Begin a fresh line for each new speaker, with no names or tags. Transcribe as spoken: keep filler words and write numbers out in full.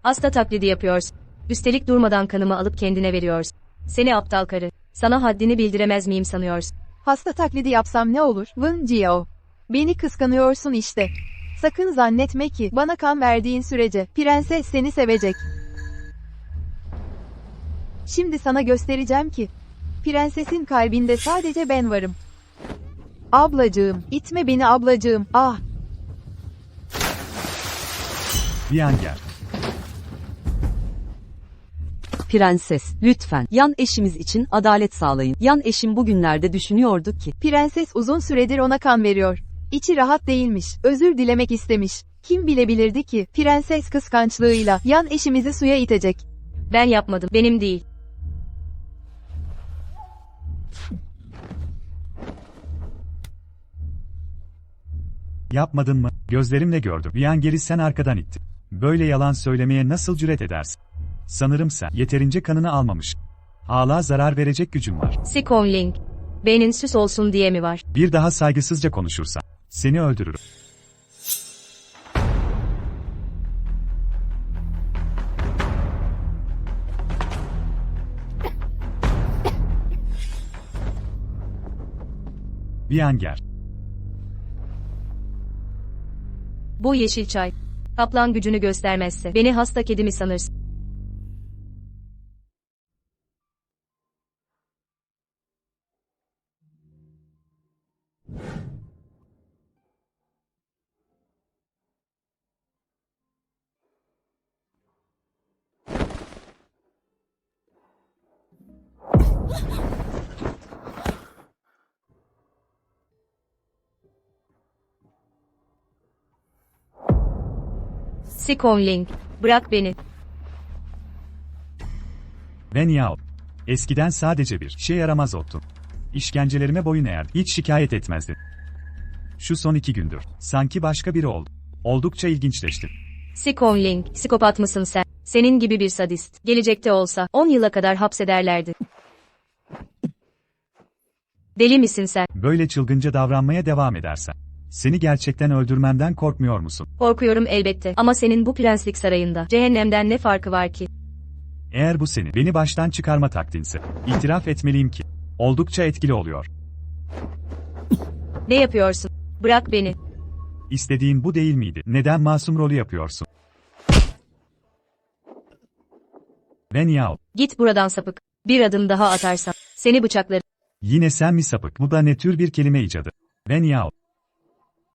Hasta taklidi yapıyorsun. Üstelik durmadan kanımı alıp kendine veriyorsun. Seni aptal karı. Sana haddini bildiremez miyim sanıyorsun?
Hasta taklidi yapsam ne olur? Vın Jiao. Beni kıskanıyorsun işte. Sakın zannetme ki bana kan verdiğin sürece prenses seni sevecek. Şimdi sana göstereceğim ki prensesin kalbinde sadece ben varım. Ablacığım, itme beni ablacığım. Ah.
Viyanger.
Prenses, lütfen, yan eşimiz için adalet sağlayın. Yan eşim bugünlerde düşünüyordu ki,
Prenses uzun süredir ona kan veriyor. İçi rahat değilmiş, özür dilemek istemiş. Kim bilebilirdi ki, prenses kıskançlığıyla yan eşimizi suya itecek.
Ben yapmadım. Benim değil.
Yapmadın mı? Gözlerimle gördüm. Viyanger'i sen arkadan ittin. Böyle yalan söylemeye nasıl cüret edersin? Sanırım sen yeterince kanını almamış. Hala zarar verecek gücün var.
Sikonling. Beynin süs olsun diye mi var?
Bir daha saygısızca konuşursan seni öldürürüm. Viyanger.
Bu yeşil çay. Kaplan gücünü göstermezse beni hasta kedi mi sanırsın? Sikonling. Bırak beni.
Wen Yao. Eskiden sadece bir şey yaramaz oldun. İşkencelerime boyun eğerdin. Hiç şikayet etmezdin. Şu son iki gündür sanki başka biri oldu. Oldukça ilginçleştin.
Sikonling. Psikopat mısın sen? Senin gibi bir sadist. Gelecekte olsa on yıla kadar hapsederlerdi. Deli misin sen?
Böyle çılgınca davranmaya devam edersen seni gerçekten öldürmemden korkmuyor musun?
Korkuyorum elbette. Ama senin bu prenslik sarayında cehennemden ne farkı var ki?
Eğer bu senin beni baştan çıkarma taktiğinse, itiraf etmeliyim ki oldukça etkili oluyor.
Ne yapıyorsun? Bırak beni.
İstediğin bu değil miydi? Neden masum rolü yapıyorsun? Wen Yao.
Git buradan sapık. Bir adım daha atarsan seni bıçaklarım.
Yine sen mi sapık? Bu da ne tür bir kelime icadı? Wen Yao.